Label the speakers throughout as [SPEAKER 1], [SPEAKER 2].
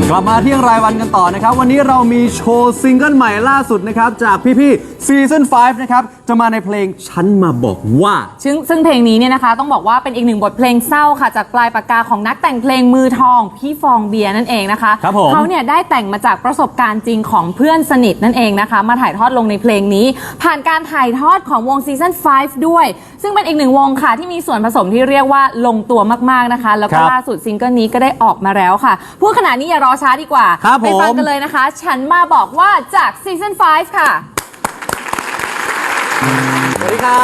[SPEAKER 1] กลับมาเที่ยงรายวันกันต่อนะครับวันนี้เรามีโชว์ซิงเกิลใหม่ล่าสุดนะครับจากพี่ๆซีซั่น5นะครับจะมาในเพลงฉันมาบอกว่า
[SPEAKER 2] ซึ่งเพลงนี้เนี่ยนะคะต้องบอกว่าเป็นอีกหนึ่งบทเพลงเศร้าค่ะจากปลายปากกาของนักแต่งเพลงมือทองพี่ฟองเบียร์นั่นเองนะคะเขาเนี่ยได้แต่งมาจากประสบการณ์จริงของเพื่อนสนิทนั่นเองนะคะมาถ่ายทอดลงในเพลงนี้ผ่านการถ่ายทอดของวงซีซั่น5ด้วยซึ่งเป็นอีกหนึ่งวงค่ะที่มีส่วนผสมที่เรียกว่าลงตัวมากๆนะคะแล้วก็ล่าสุดซิงเกิลนี้ก็ได้ออกมาแล้วค่ะพูดขนาดนี้อย่ารอช้าดีกว่าไปฟังกันเลยนะคะฉันมาบอกว่าจากซีซั่น5ค่ะ
[SPEAKER 1] สวัสดีครับ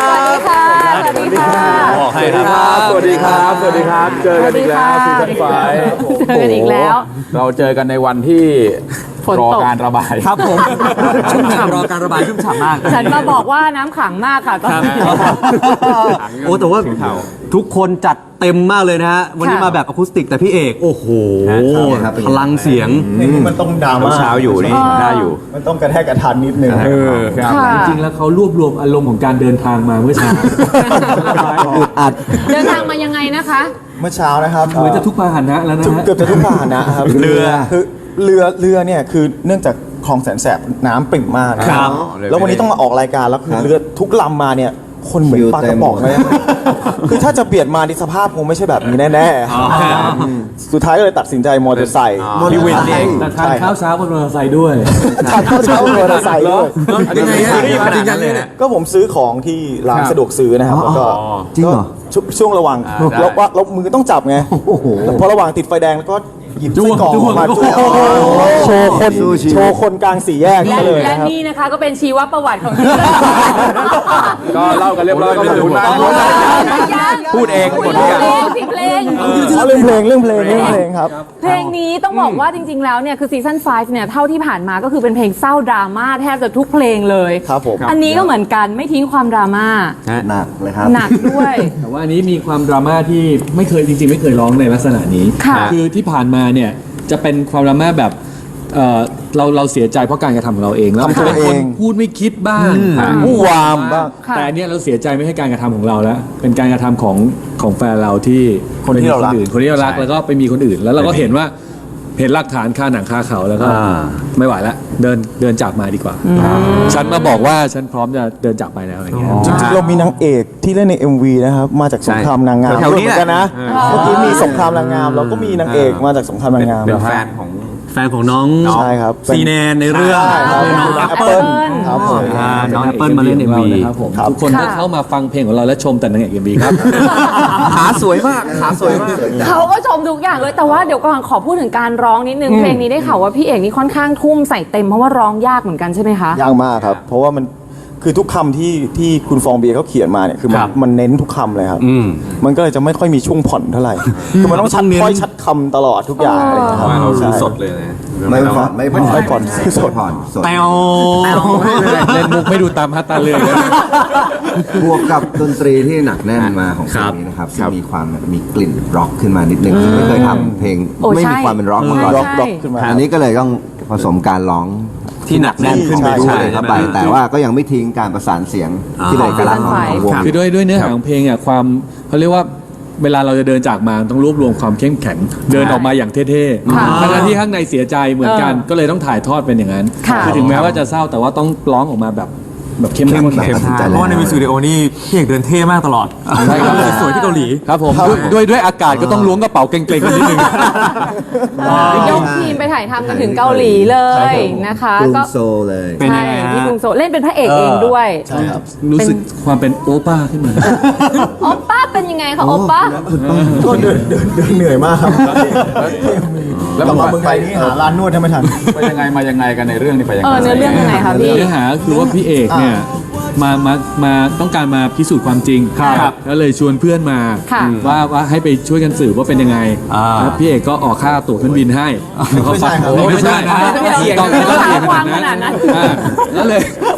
[SPEAKER 2] สวัสดีค่ะสวัสดีค่ะ
[SPEAKER 3] สวัสดีครับสวัสดีครับเจอกันอีกแล้วซีซั่น5
[SPEAKER 2] เจอกันอีกแล้ว
[SPEAKER 3] เราเจอกันในวันที่รอการระบาย
[SPEAKER 1] ครับผมชุ่มฉ่ำรอการระบายชุ่มฉ่ำมาก
[SPEAKER 2] ฉันมาบอกว่าน้ำขังมากค่ะตอนนี้
[SPEAKER 1] โอ้แต่ว่าทุกคนจัดเต็มมากเลยนะฮะวันนี้มาแบบอะคูสติกแต่พี่เอกโอ้โหพลังเสียง
[SPEAKER 4] นี่มันต้องดราม่า
[SPEAKER 3] เช้าอยู่นี่ได้อยู่
[SPEAKER 4] มันต้องกระแทกกระทันนิดนึง
[SPEAKER 5] จริงๆแล้วเขารวบรวมอารมณ์ของการเดินทางมาเมื่อเช้า
[SPEAKER 1] อัด
[SPEAKER 2] เดินทางมายังไงนะคะ
[SPEAKER 4] เมื่อเช้านะครับ
[SPEAKER 5] เหมือนจะทุกพาหนะแล้วนะ
[SPEAKER 4] เกือบจะทุกพาหนะครับเรือเนี่ยคือเนื่องจากคลองแสนแสบน้ำปริ่มมากนะครับแล้ววันนี้ต้องมาออกรายการแล้วคือเรือทุกลำมาเนี่ยคนเหมือนปลากระป๋องเลยคือถ้าจะเปลี่ยนมาในสภาพคงไม่ใช่แบบนี้แน่ๆสุดท้ายก็เลยตัดสินใจมอเตอร์ไซค์
[SPEAKER 3] พี่วินเอง
[SPEAKER 5] ทานข้าวเช้าบนมอเตอร์ไซค์ด้วย
[SPEAKER 4] ทานข้าวเช้าบนมอเตอร์ไซค์ด้วย
[SPEAKER 1] ยังไงฮะจริงจังเลยเนี่ย
[SPEAKER 4] ก็ผมซื้อของที่ร้านสะดวกซื้อนะครับแล้วก็
[SPEAKER 1] จริงเหรอ
[SPEAKER 4] ช่วงระหว่างแล้วมือต้องจับไงพอระหว่างติดไฟแดงแล้วก็หยิบไส้กรอกมาโชว์คนกลางสี่แยกเลย
[SPEAKER 2] และนี่นะคะก็เป็นชีวประวัติของ
[SPEAKER 3] ก็เล่ากันเรียบร้อยก็ขอบคุณมากพูดเองหมดทุกอย่าง
[SPEAKER 2] เพลง
[SPEAKER 4] เรื่องเพลงครับ
[SPEAKER 2] เพลงนี้ต้องบอกว่าจริงๆแล้วเนี่ยคือซีซั่น5เนี่ยเท่าที่ผ่านมาก็คือเป็นเพลงเศร้าดราม่าแทบจะทุกเพลงเลย
[SPEAKER 4] ครับผม
[SPEAKER 2] อันนี้ก็เหมือนกันไม่ทิ้งความดราม่า
[SPEAKER 4] หนักเลยครับ
[SPEAKER 2] หนักด้วย
[SPEAKER 5] แต่ว่าอันนี้มีความดราม่าที่ไม่เคยจริงๆไม่เคยร้องในลักษณะนี้คือที่ผ่านมาเนี่ยจะเป็นความดราม่าแบบเราเสียใจเพราะการกระทำของเราเองแล้วเป็นคนพูดไม่คิดบ้าง
[SPEAKER 4] ผู้วามบ้าง
[SPEAKER 5] แต่อันนี้เราเสียใจไม่ใช่การกระทำของเราแล้วเป็นการกระทำของแฟนเราที่
[SPEAKER 4] คนที่เรารัก
[SPEAKER 5] แล้วก็ไปมีคนอื่นแล้วเราก็เห็นหลักฐานคาหนังคาเขาแล้วก็ไม่ไหวแล้วเดินจากมาดีกว่าฉันมาบอกว่าฉันพร้อมจะเดินจากไปแล้วอะไรเงี้ย
[SPEAKER 4] จริงๆเรามีนางเอกที่เล่นใน MV นะครับมาจากสงครามนางงาม
[SPEAKER 1] แถวนี้
[SPEAKER 4] กันนะเมื่อกี้มีสงครามนางงามเราก็มีนางเอกมาจากสงครามนางงาม
[SPEAKER 3] เป็นแฟนของ
[SPEAKER 1] น้อง
[SPEAKER 4] ใช่ครับ
[SPEAKER 1] ซีแนนในเรื่อง
[SPEAKER 4] น้องแอปเปิ้ลครับผม
[SPEAKER 1] น้องแอปเปิ้ลมาเล่น MV
[SPEAKER 5] ครับผมทุกคนที่เข้ามาฟังเพลงของเราและชมแต่นางเอก MV ครับ
[SPEAKER 1] ขาสวยมาก
[SPEAKER 2] เขาก็ชมทุกอย่างเลยแต่ว่าเดี๋ยวก่อนขอพูดถึงการร้องนิดนึงเพลงนี้ได้ข่าวว่าพี่เอกนี่ค่อนข้างทุ่มใส่เต็มเพราะว่าร้องยากเหมือนกันใช่ไหมคะ
[SPEAKER 4] ยากมากครับเพราะว่ามันคือทุกคำที่คุณฟองเบียร์เขาเขียนมาเนี่ยคือมันเน้นทุกคำเลยครับมันก็เลยจะไม่ค่อยมีช่วงผ่อนเท่าไหร่คือมันต้องชัดคำตลอดทุกอย่างอะไรอย่างเงี้ยครับ
[SPEAKER 3] เราซื้อสดเลย
[SPEAKER 4] ไม่ผ่อนสด
[SPEAKER 1] แปว
[SPEAKER 5] เล่นมุกไม่ดูตามฮัตตาเลย
[SPEAKER 6] บวกกับดนตรีที่หนักแน่นมาของเพลงนี้นะครับมีความมีกลิ่นร็อกขึ้นมานิดนึงไม่เคยทำเพลงไม่มีความเป็นร็อกมาก่อน
[SPEAKER 4] ร็อกขึ้นมา
[SPEAKER 6] อันนี้ก็เลยต้องผสมการร้อง
[SPEAKER 1] ที่หนักแน่นขึ้นไป
[SPEAKER 6] ด้วยเข้าไปแต่ว่าก็ยังไม่ทิ้งการประสานเสียงที่เป็นเอกลักษณ์ของวง
[SPEAKER 5] คือด้วยเนื้อหาของเพลงอ่ะความเขาเรียกว่าเวลาเราจะเดินจากมาต้องรวบรวมความเข้มแข็งเดินออกมาอย่างเท่ๆทั้งที่ข้างในเสียใจเหมือนกันก็เลยต้องถ่ายทอดเป็นอย่างนั้นคือถึงแม้ว่าจะเศร้าแต่ว่าต้องร้องออกมาแบบเข้มแข็ง
[SPEAKER 1] เพราะว่าในมิวสิกวิดีโอนี่พี่เอกเดินเท่มากตลอดสวยที่เกาหลี
[SPEAKER 5] ครับผมด้วยอากาศก็ต้องล้วงกระเป๋าเกรงๆกันนิดนึง
[SPEAKER 2] ยกทีมไปถ่ายทำกันถึงเกาหลีเลยนะคะ
[SPEAKER 6] ก็โซเลย
[SPEAKER 2] เป็นยังไงที่กรุงโซเล่นเป็นพระเอกเองด้วย
[SPEAKER 4] ใช่ครับ
[SPEAKER 5] รู้สึกความเป็นโอป้าขึ้นมา
[SPEAKER 2] โอป้าเป็นยังไงคะโอป้า
[SPEAKER 4] ก็เดินเหนื่อยมากครับแล้วมาเมืองไทยนี่หาร้านนวดให้ไม่ทัน
[SPEAKER 3] ไปยังไงมายังไงกันในเรื่องนี้ไปยังไง
[SPEAKER 2] เนื้อเรื่องยังไงคะพี่
[SPEAKER 5] เนื้อหาคือว่าพี่เอกเนี่ยมาต้องการมาพิสูจน์ความจริงแล้วเลยชวนเพื่อนมาว่าให้ไปช่วยกันสืบว่าเป็นยังไงแล้วพี่เอกก็ออกค่าตั๋วเครื่องบินให้
[SPEAKER 4] ไม่ใช่
[SPEAKER 5] ต้องวางขนาดนั้นแล้วเลย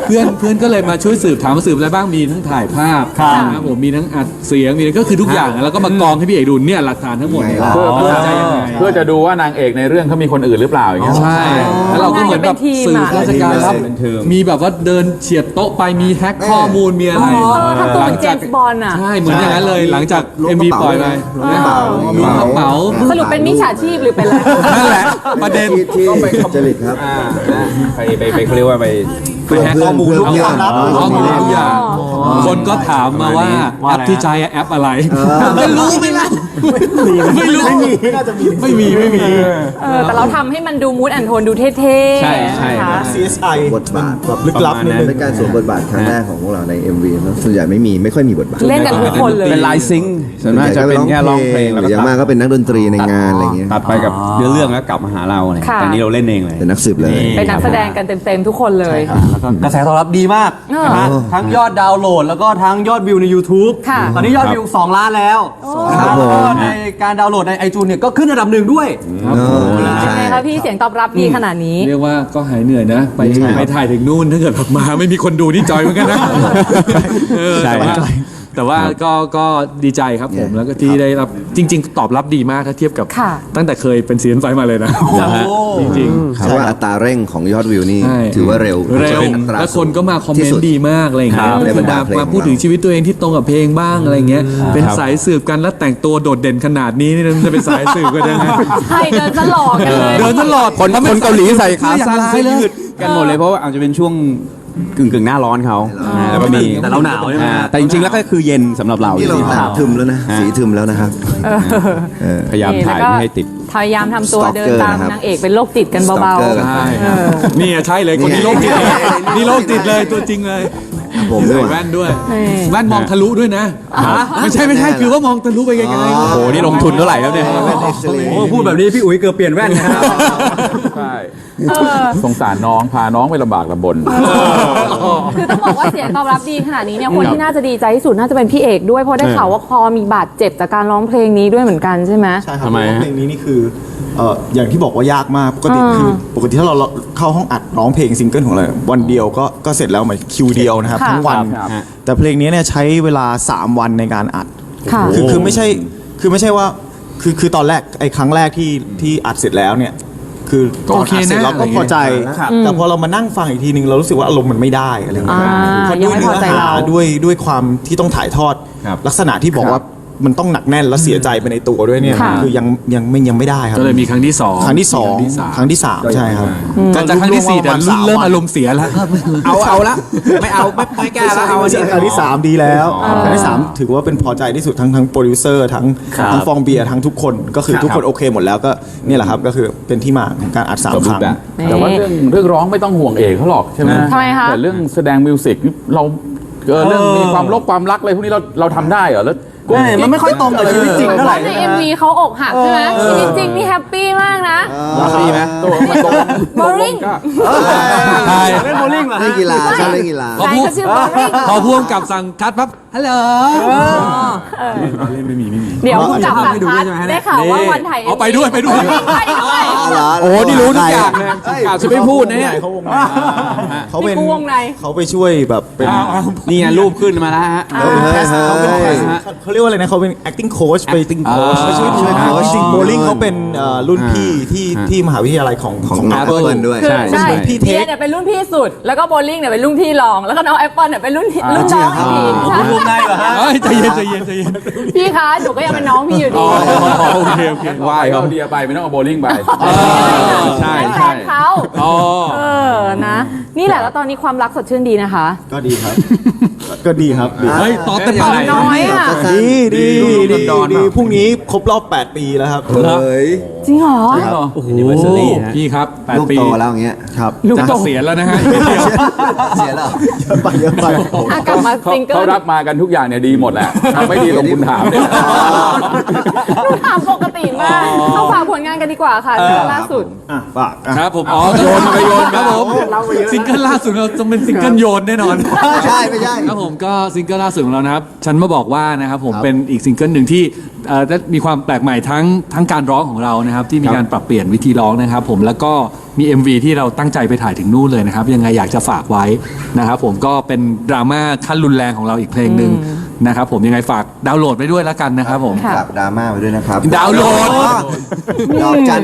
[SPEAKER 5] เพื่อนก็เลยมาช่วยสืบถามว่าสืบอะไรบ้างมีทั้งถ่ายภาพนะครับผมมีทั้งอัดเสียงมีก็คือทุกอย่างแล้วก็มากองให้พี่เอกดูเนี่ยหลักฐานทั้งหมด
[SPEAKER 6] ไงล่ะ
[SPEAKER 3] เพื่อ
[SPEAKER 5] จะยังไง
[SPEAKER 3] เพื่อจะดูว่านางเอกในเรื่องเขามีคนอื่นหรือเปล่าอย่างเงี้ย
[SPEAKER 5] ใช่แล้วเราก็เหมือนแบบสืบราชการรับ
[SPEAKER 6] เป็นทีม
[SPEAKER 5] มีแบบว่าเดินเฉียดโต๊ะไปมีแฮ็กข้อมูลมีอะไร
[SPEAKER 2] ทำตัวเป็นเจมส์บอนด์อ่ะ
[SPEAKER 5] ใช่เหมือนอย่างนั้นเลยหลังจาก MV ปล่อยไปล้วงกระเป๋า
[SPEAKER 2] สรุปเป็นมิจฉาชีพหรือเป็นอะไร
[SPEAKER 5] นั่นแหละประเด็น
[SPEAKER 6] ที่จริตครับ
[SPEAKER 3] ไปเขาเรียกว่าไป
[SPEAKER 5] ไปแฮ็กข้อมูลทุกอย่างข้อมูลทุกอย่างคนก็ถามมาว่าแอปที่ใช้แอปอะไรไม่รู้ไม่รู้ไม่รู้ไม่มี
[SPEAKER 2] แต่เราทำให้มันดูมูดแอนโทนดูเท่ๆ
[SPEAKER 3] ใช่ใช่
[SPEAKER 2] นะคะ
[SPEAKER 4] CSI
[SPEAKER 6] บทบาท
[SPEAKER 4] แบบลึกลับนิดนึง
[SPEAKER 6] เป็นการสวมบทบาทครั้งแรกของพวกเราใน MV แล้วส่วนใหญ่ไม่ค่อยมีบทบาท
[SPEAKER 2] เล่นกันทุกคนเลย
[SPEAKER 3] เป็นไลฟ์ซิงค์ส่วนมากจะเป็นแค่ร้องเพลง
[SPEAKER 6] ห
[SPEAKER 3] แล้ว
[SPEAKER 6] รืออย่างมากก็เป็นนักดนตรีในงานอะไรเงี้ย
[SPEAKER 3] ตัดไปกับเรื่องแล้วกลับมาหาเราเนี่ย
[SPEAKER 2] ค่ะ
[SPEAKER 3] แต่นี่เราเล่นเองเลย
[SPEAKER 6] เป็นนักสืบเลย
[SPEAKER 2] เป็นนักแสดงกันเต็มๆทุกคนเลย
[SPEAKER 1] แล้วก็กระแสตอบรับดีมากนะฮะทั้งยอดดาวน์โหลดแล้วก็ทั้งยอดวิวใน YouTube
[SPEAKER 2] ค่ะ
[SPEAKER 1] ตอนนี้ยอดวิว 2 ล้านแล้วนะครับแล้วก็ในการดาวน์โหลดใน iTunes เนี่ยก็ขึ้นอันดับ 1 ด้วย
[SPEAKER 2] เป็นไงคะพี่เสียงตอบรับดีขนาดนี้
[SPEAKER 5] เรียกว่าก็หายเหนื่อยนะ ไปถ่ายถึงนู่นถ้าเกิดออกมาไม่มีคนดูนี่จอยเหมือนกันนะ
[SPEAKER 3] ใช่
[SPEAKER 5] แต่ว่าแต่ว่าก็ดีใจครับผมแล้วก็ที่ได้รับจริง ๆ ตอบรับดีมากถ้าเทียบกับ
[SPEAKER 2] ค่ะ
[SPEAKER 5] ตั้งแต่เคยเป็นซีซั่นไฟมาเลยนะจริง
[SPEAKER 6] เพราะว่าอัตราเร่งของยอดวิวนี่
[SPEAKER 5] ๆใช่
[SPEAKER 6] ถือว่าเร็ว
[SPEAKER 5] แล้วคนก็มาคอมเมนต์ดีมากอะไรอย่างเงี้ย
[SPEAKER 6] ในบรรดาเพลง
[SPEAKER 5] มาพูดถึงชีวิตตัวเองที่ตรงกับเพลงบ้างอะไรอย่างเงี้ยเป็นสายสืบกันแล้วแต่งตัวโดดเด่นขนาดนี้นี่จะเป็นสายสืบกันยังไง
[SPEAKER 2] ใช่เดินตลอดกันเลย
[SPEAKER 5] เดินตลอด
[SPEAKER 3] คนเกาหลีใส่ขาสั้น
[SPEAKER 5] อย่างไร
[SPEAKER 3] เสื้อ
[SPEAKER 5] เลย
[SPEAKER 3] ยืดกันหมดเลยเพราะว่าอาจจะเป็นช่วงกึ่งหน้าร้อนเขาแล้วก็มี
[SPEAKER 1] แต่เราหนาวใช่ไหม
[SPEAKER 3] แต่จริงๆแล้วก็คือเย็นสำหรับเรา
[SPEAKER 6] นี่เรา
[SPEAKER 3] จริง
[SPEAKER 6] หนาทึมแล้วนะ สีทึมแล้วนะครับ
[SPEAKER 3] ๆพยายามถ่ายไม่ให้ติด
[SPEAKER 2] พยายามทำตัว
[SPEAKER 6] Stalker
[SPEAKER 2] เดินตาม
[SPEAKER 6] นะครับ
[SPEAKER 2] นางเอกเป็นโรคจิตกันเบา
[SPEAKER 6] Stalker
[SPEAKER 5] ใช่นี่ใช่เลยคนนี้โรคจิตเลยนี่โรคจิตเลยตัวจริงเลย
[SPEAKER 6] ผม
[SPEAKER 5] ใส่
[SPEAKER 6] ด้วย
[SPEAKER 5] แว่นด้วยแว่นมองทะลุด้วยนะไม่ใช่คือว่ามองทะลุไปไกลๆ
[SPEAKER 3] โอ้โหนี่ลงทุนเท่าไหร่ครับเนี่ย
[SPEAKER 1] โอ้พูดแบบนี้พี่อุ๋ยเกือบเปลี่ยนแว่นนะครับ
[SPEAKER 3] ใช่สงสารน้องพาน้องไปลำบากลำบน
[SPEAKER 2] ๆคือต้องบอกว่าเสียงตอบรับดีขนาดนี้เนี่ยคนที่น่าจะดีใจที่สุดน่าจะเป็นพี่เอกด้วยเพราะได้ข่าวว่าคอมีบาดเจ็บจากการร้องเพลงนี้ด้วยเหมือนกันใช่ไหม
[SPEAKER 4] ใช่ครับ
[SPEAKER 3] ทำไม
[SPEAKER 4] เพราะ
[SPEAKER 3] ฮะ
[SPEAKER 4] ว่าเพลงนี้นี่คืออย่างที่บอกว่ายากมากปกติคือปกติถ้าเราเข้าห้องอัดร้องเพลงซิงเกิลของเราวันเดียวก็เสร็จแล้วเหมือนคิวเดียวนะครับ
[SPEAKER 2] ค่ะ
[SPEAKER 4] ทั้งวัน
[SPEAKER 3] ครับ
[SPEAKER 4] แต่เพลงนี้เนี่ยใช้เวลา 3 วันในการอัด
[SPEAKER 2] ค่ะ
[SPEAKER 4] คือไม่ใช่ว่าคือตอนแรกไอ้ครั้งแรกที่อัดเสร็จแล้วเนี่ยคือ
[SPEAKER 5] ก็โอเค
[SPEAKER 4] ตนดเสร็จ
[SPEAKER 5] นะ
[SPEAKER 4] เราก็พอใจ แต่พอเรามานั่งฟังอีกทีนึงเรารู้สึกว่าอารมณ์มันไม่ได้อะไรเงี้ย เพราะ
[SPEAKER 2] ยั
[SPEAKER 4] ด้
[SPEAKER 2] ง
[SPEAKER 4] วย
[SPEAKER 2] ไม่
[SPEAKER 4] เนื้
[SPEAKER 2] พอ
[SPEAKER 4] อ
[SPEAKER 2] ใจ
[SPEAKER 4] หา
[SPEAKER 2] เรา
[SPEAKER 4] ด้วยความที่ต้องถ่ายทอด
[SPEAKER 3] ครับ
[SPEAKER 4] ลักษณะที่บอกว่ามันต้องหนักแน่นและเสียใจไปในตัวด้วยเนี่ย
[SPEAKER 2] ค่ะ
[SPEAKER 4] คือยังไม่ได้ครับ
[SPEAKER 5] ก็เลยมีครั้งที่สอง
[SPEAKER 4] ครั้งที่สองครั้งที่สามใช่ครับ
[SPEAKER 5] ก็จะครั้งที่สี่แต่เริ่มอารมณ์เสียแล้ว
[SPEAKER 3] เอาละไม่แก้แล้วเอาอันนี้
[SPEAKER 4] ครั้งที่สามดีแล้วครั้งที่สามถือว่าเป็นพอใจที่สุดทั้งโปรดิวเซอร์ทั้งฟองเบียร์ทั้งทุกคนก็คือทุกคนโอเคหมดแล้วก็เนี่ยแหละครับก็คือเป็นที่มาของการอัด3 ครั้ง
[SPEAKER 3] แต่ว่าเรื่องร้องไม่ต้องห่วงเอกเขาหรอกใช่ไหม
[SPEAKER 2] ทำไมคะ
[SPEAKER 3] แต่เรื่องแสดงมิวสิกเราเรื่องมีความรักอะไรพวกนี้เราทำได้เหรอแล้ว
[SPEAKER 1] มันไม่ค่อยตรงกับชีวิตจริงเท่าไหร่
[SPEAKER 2] ใน MV เขาอกหักใช่ไหมชีวิตจริงนี่แฮปปี้มากนะ
[SPEAKER 3] ดีไหมตัวมันตรง
[SPEAKER 2] Boring
[SPEAKER 3] ก็
[SPEAKER 5] ใช่
[SPEAKER 1] เล่นโบว์ลิ่งเหรอ
[SPEAKER 6] เล่นกีฬาชอบเล่นกีฬา
[SPEAKER 2] ใครก็ชื่อ Boring
[SPEAKER 5] พอพ่วงกับสั่งคัดปั๊บฮัลโหลเล่นไม่มี
[SPEAKER 2] เดี๋ยวคุณจับหลักฐานได้ข่าวว่าวันถ่าย
[SPEAKER 5] เอาไปด้วย
[SPEAKER 2] ไปด้วย
[SPEAKER 3] โอ้นี่รู้ทุกอย่างเลยกล่าวจะไม่พูดนะเนี่ย
[SPEAKER 4] เขาเป็น
[SPEAKER 2] นี่กูวงใน
[SPEAKER 4] เขาไปช่วยแบบเป็น
[SPEAKER 3] นี่ไงรูปขึ้นมาแล้วฮะ
[SPEAKER 4] เขาเป็นเขาเรียกว่าอะไรนะเขาเป็น acting coach ไป acting coach ไปช่วยโค้ชจริงโบลิ่งเขาเป็นรุ่นพี่ที่มหาวิทยาลัยของ
[SPEAKER 6] Apple ด้วย
[SPEAKER 2] คือ
[SPEAKER 3] ใช่
[SPEAKER 2] ใช่
[SPEAKER 4] พี่เท
[SPEAKER 2] เบีย
[SPEAKER 4] ค
[SPEAKER 2] ร์เนี่ยเป็นรุ่นพี่สุด แล้วก็โบลิ่งเนี่ยเป็นรุ่นพี่รอง แล้วก็น้องแอปเปิลเนี่ยเป็นรุ่นน้องอีกทีใช่
[SPEAKER 1] วงในเหรอฮะ
[SPEAKER 5] ใจเย็น
[SPEAKER 2] พี่คะหนูก็ยังเป็นน้องพี่อยู่ดี
[SPEAKER 5] โอเค
[SPEAKER 3] ไหว้เขาเดียไปไม่ต้องเอาโบลิ่งไปใช่
[SPEAKER 2] เป็นแฟนเขานะ นี่แหละแล้วตอนนี้ความรักสดชื่นดีนะคะ
[SPEAKER 4] ก็ดีครับ ก็ดีครับดี
[SPEAKER 5] เฮ้ยต่อเต็มปาก
[SPEAKER 2] น้อยอ่ะ
[SPEAKER 4] ดีพรุ่งนี้ครบรอบ 8 ปีแล้วครับ
[SPEAKER 6] เฮ้ย
[SPEAKER 2] จริงเหรอ
[SPEAKER 5] โอ้โหพี่ครับ
[SPEAKER 6] ลูก
[SPEAKER 5] 8 ปี
[SPEAKER 6] โตแล้วอย่างเงี้ย
[SPEAKER 4] ครับ
[SPEAKER 5] จะเกษียณแล้วนะฮะ
[SPEAKER 6] เสียแล้ว
[SPEAKER 4] เยอะไป
[SPEAKER 2] กลับมาซิงเกิ
[SPEAKER 3] เขา
[SPEAKER 2] ล
[SPEAKER 3] รับมากันทุกอย่างเนี่ยดีหมดแหละทำไม่ดีลงคุณถามเนี่ย
[SPEAKER 2] ถามปกติมากเข้าฝากผลงานกันดีกว่าค่ะซิงเกิลล่าสุด
[SPEAKER 4] ฝาก
[SPEAKER 5] ครับผมโยนครับผมซิงเกิลล่าสุดเราต้องเป็นซิงเกิลโยนแน่นอน
[SPEAKER 6] ใช่ไม่ใช่
[SPEAKER 5] ครับผมก็ซิงเกิลล่าสุดของเรานะครับฉันมาบอกว่านะครับผมเป็นอีกซิงเกิลหนึ่งที่ได้มีความแปลกใหม่ทั้งการร้องของเรานะครับที่มีการปรับเปลี่ยนวิธีร้องนะครับผมแล้วก็มี MV ที่เราตั้งใจไปถ่ายถึงนู่นเลยนะครับยังไงอยากจะฝากไว้นะครับผมก็เป็นดราม่าขั้นรุนแรงของเราอีกเพลงหนึ่งนะครับผมยังไงฝากดาวน์โหลดไปด้วยแล้วกันนะครับผม
[SPEAKER 6] ฝากดราม่าไว้ด้วยนะครับ
[SPEAKER 5] ดาวน์โหลด
[SPEAKER 6] ดอกจัน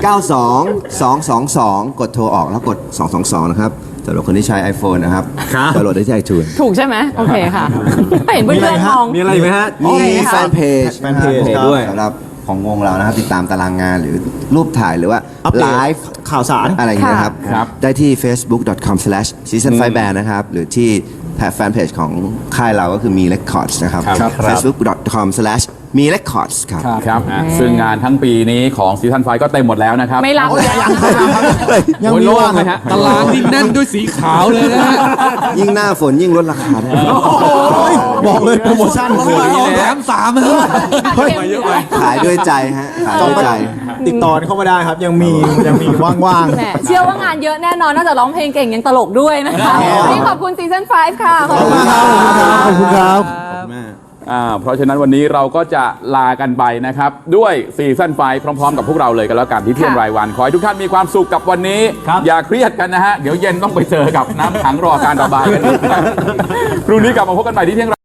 [SPEAKER 6] 492-222 กดโทรออกแล้วกด 222 นะครับสำหรับคนที่ใช้ iPhone นะครับดาวน์โหลดได้ที่ iTunes
[SPEAKER 2] ถูกใช่ไหมโอเคค่ะไม่เห็นเพื่อนๆมอง
[SPEAKER 1] มีอะไรอีกไหมฮะ
[SPEAKER 6] มีแฟนเพจ
[SPEAKER 4] แฟนเพจ
[SPEAKER 6] ด้วยสำหรับของวงเรานะครับ ติดตามตารางงานหรือรูปถ่ายหรือว่า
[SPEAKER 4] อัปเด
[SPEAKER 6] ไล
[SPEAKER 4] ต
[SPEAKER 6] ฟ์
[SPEAKER 4] ข่าวสาร
[SPEAKER 6] อะไรอย่างเงี้ยครับ
[SPEAKER 3] ครับ
[SPEAKER 6] ได้ที่ facebook.com/season5band นะครับ หรือที่แฟนเพจของค่ายเราก็คือมี records นะครับ facebook.com/มี records ครับ
[SPEAKER 3] ครับซึ่งงานทั้งปีนี้ของซีซั่นไฟก็เต็มหมดแล้วนะครับ
[SPEAKER 2] ไม่รับเลย
[SPEAKER 3] โอ้ยโล่งเลยฮะ
[SPEAKER 5] ตารางนี่แน่นด้วยสีขาวเลยนะฮะ
[SPEAKER 6] ยิ่งหน้าฝนยิ่งลดราคาได้
[SPEAKER 4] บอกเลยโปรโมชั่นคือ
[SPEAKER 5] แถม3ฮะ
[SPEAKER 6] ขายด้วยใจฮะ ขายด้วยใจ
[SPEAKER 4] ติดต่อเข้ามาได้ครับ ยังมีว่าง
[SPEAKER 2] แหมเชื่อว่างานเยอะแน่นอนนอกจากร้องเพลงเก่งยังตลกด้วยนะคะวันนี้ขอบคุณซีซั่น5ค่ะขอบคุณค่ะ
[SPEAKER 4] ๆขอบคุณครับ
[SPEAKER 3] เพราะฉะนั้นวันนี้เราก็จะลากันไปนะครับ ด้วยซีซั่นไฟพร้อมๆ กับพวกเราเลยกันแล้วกันที่เที่ยงรายวัน ขอให้ทุกท่านมีความสุขกับวันนี้ อย่าเครียดกันนะฮะ เดี๋ยวเย็นต้องไปเจอกับน้ำขังรอการระบายกันอีกนะพรุ่งนี้กลับมาพบกันใหม่ที่เที่ยง